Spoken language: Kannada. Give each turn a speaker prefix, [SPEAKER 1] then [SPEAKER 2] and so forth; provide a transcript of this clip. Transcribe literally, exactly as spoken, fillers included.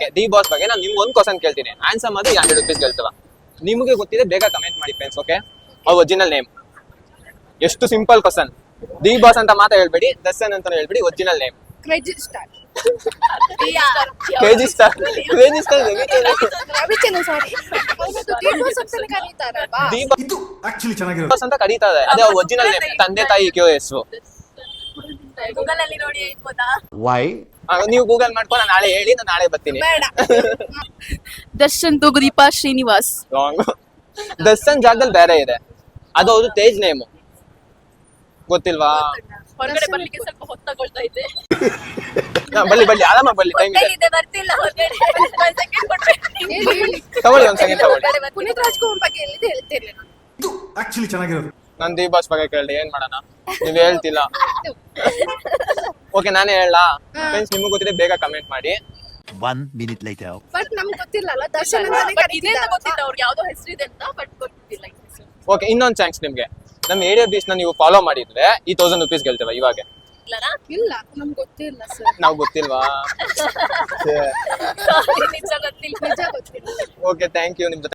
[SPEAKER 1] ಡಿ ಬಾಸ್ ಬಗ್ಗೆ ನಾನು ನಿಮ್ಗೆ ಒಂದು ಕ್ವಶನ್ ಕೇಳ್ತೀನಿ, ಆನ್ಸರ್ ಮಾಡಿ ಹಂಡ್ರೆಡ್ ರುಪೀಸ್ ಗೆಲ್ತವ. ನಿಮಗೆ ಗೊತ್ತಿದೆ ಬೇಗ ಕಮೆಂಟ್ ಮಾಡಿ ಫ್ರೆಂಡ್ಸ್. ಓಕೆ, ಅವ್ರ ಒರಿಜಿನಲ್ ನೇಮ್. ಎಷ್ಟು ಸಿಂಪಲ್ ಕ್ವಶನ್. ಡಿ ಬಾಸ್ ಅಂತ ಮಾತ್ರ ಹೇಳ್ಬೇಡಿ, ದರ್ಶನ್ ಅಂತ ಹೇಳ್ಬೇಡಿ, original name.
[SPEAKER 2] Crazy star
[SPEAKER 1] KG star KG star
[SPEAKER 2] Ravichandra sorry D Boss ಅಂತಾನೆ ಕರೀತಾರಲ್ವಾ?
[SPEAKER 1] ಡಿ ಬಾಸ್ ಅಂತ ಕರೀತಾರೆ, ಅದೇ ಅವ್ರ ಒರಿಜಿನಲ್ ನೇಮ್. ತಂದೆ ತಾಯಿ ಕ್ಯೂ ಹೆಸರು.
[SPEAKER 2] ಗೂಗಲ್ ಅಲ್ಲಿ ನೋಡಿ ಇರ್ಬೋದಾ?
[SPEAKER 3] ವೈ
[SPEAKER 1] ನೀವು ಗೂಗಲ್ ಮಾಡ್ಕೊಂಡು ನಾಳೆ ಹೇಳಿ, ನಾನು ನಾಳೆ ಬರ್ತೀನಿ.
[SPEAKER 2] ಬೇಡ.
[SPEAKER 4] ದರ್ಶನ್ ತುಗುದೀಪ ಶ್ರೀನಿವಾಸ್.
[SPEAKER 1] ರಾಂಗ್. ದರ್ಶನ್ ಜಾಗದಲ್ಲಿ ಬೇರೆ ಇದೆ, ಅದು ಅವ್ರದ್ದು ತೇಜ್ ನೇಮು. ಗೊತ್ತಿಲ್ವಾ?
[SPEAKER 4] ಹೊರಗಡೆ ಬರ್ಲಿಕ್ಕೆ ಸ್ವಲ್ಪ ಹೊತ್ತಾಗೊಳ್ತಾ ಇದೆ.
[SPEAKER 1] ಹಾ, ಬಲ್ಲಿ ಬಲ್ಲಿ ಆರಾಮ ಬಲ್ಲಿ, ಟೈಮ್ ಇದೆ.
[SPEAKER 4] ಇದೆ ಬರ್ತಿಲ್ಲ ಹೊರಗಡೆ. ಒಂದ್ ಸೆಕೆಂಡ್ ಕೊಡ್ಬೇಕು.
[SPEAKER 2] ಹೇಳಿ ಹೇಳಿ.
[SPEAKER 1] ತಗೊಳ್ಳಿ ಒಂದ್ ಸೆಕೆಂಡ್ ತಗೊಳ್ಳಿ.
[SPEAKER 2] ಪುನೀತ್ ರಾಜ್ಕುಮಾರ್ ಬಗ್ಗೆ ಹೇಳಿದೆ ಹೇಳ್ತಿರ್ಲಿ ನಾನು.
[SPEAKER 1] ನಾನು ಡಿ ಬಾಸ್ ಬಗ್ಗೆ ಕೇಳಿ ಏನ್ ಮಾಡೋಣ, ನೀವ್ ಹೇಳ್ತಿಲ್ಲ. ಓಕೆ, ನಾನೇ ಹೇಳಾ? ಫ್ರೆಂಡ್ಸ್, ನಿಮ್ಗೆ ಗೊತ್ತಿದೆ ಬೇಗ ಕಮೆಂಟ್ ಮಾಡಿ.
[SPEAKER 3] One minute litre.
[SPEAKER 2] ಬಟ್ ನಮ್ಗೆ ಗೊತ್ತಿಲ್ಲಲ್ಲ ದರ್ಶನ್ ಅಂತಾನೆ
[SPEAKER 4] ಬಟ್ ಇದೆ ಅಂತ
[SPEAKER 2] ಕರೀತಿದ್ದಾರೆ.
[SPEAKER 4] ಗೊತ್ತಿತ್ತು ಅವ್ರಿಗೆ, ಯಾವ್ದೋ ಹೆಸರು ಇದೆ ಅಂತ, ಬಟ್ ಗೊತ್ತಿಲ್ಲ ಈ ಹೆಸರು.
[SPEAKER 1] ಓಕೆ, ಇನ್ನೊಂದು ಚಾನ್ಸ್ ನಿಮ್ಗೆ. ನಮ್ಮ ಏರಿಯಾ ಬೀಚ್ ನ ನೀವು ಫಾಲೋ ಮಾಡಿದ್ರೆ ಈ ತೌಸಂಡ್ ರುಪೀಸ್ ಗೆಲ್ತೇವೆ ಇವಾಗ.
[SPEAKER 4] ಇಲ್ಲನಾ?
[SPEAKER 2] ಇಲ್ಲ ನಮ್ಗೆ ಗೊತ್ತಿಲ್ಲ ಸರ್.
[SPEAKER 1] ನಾವು ಗೊತ್ತಿಲ್ವಾ?
[SPEAKER 4] Sorry, ನಿಜ ಗೊತ್ತಿಲ್ಲ.
[SPEAKER 2] ನಿಜ ಗೊತ್ತಿಲ್ಲ.
[SPEAKER 1] Okay, thank you. ನಿಮ್ ಜೊತೆ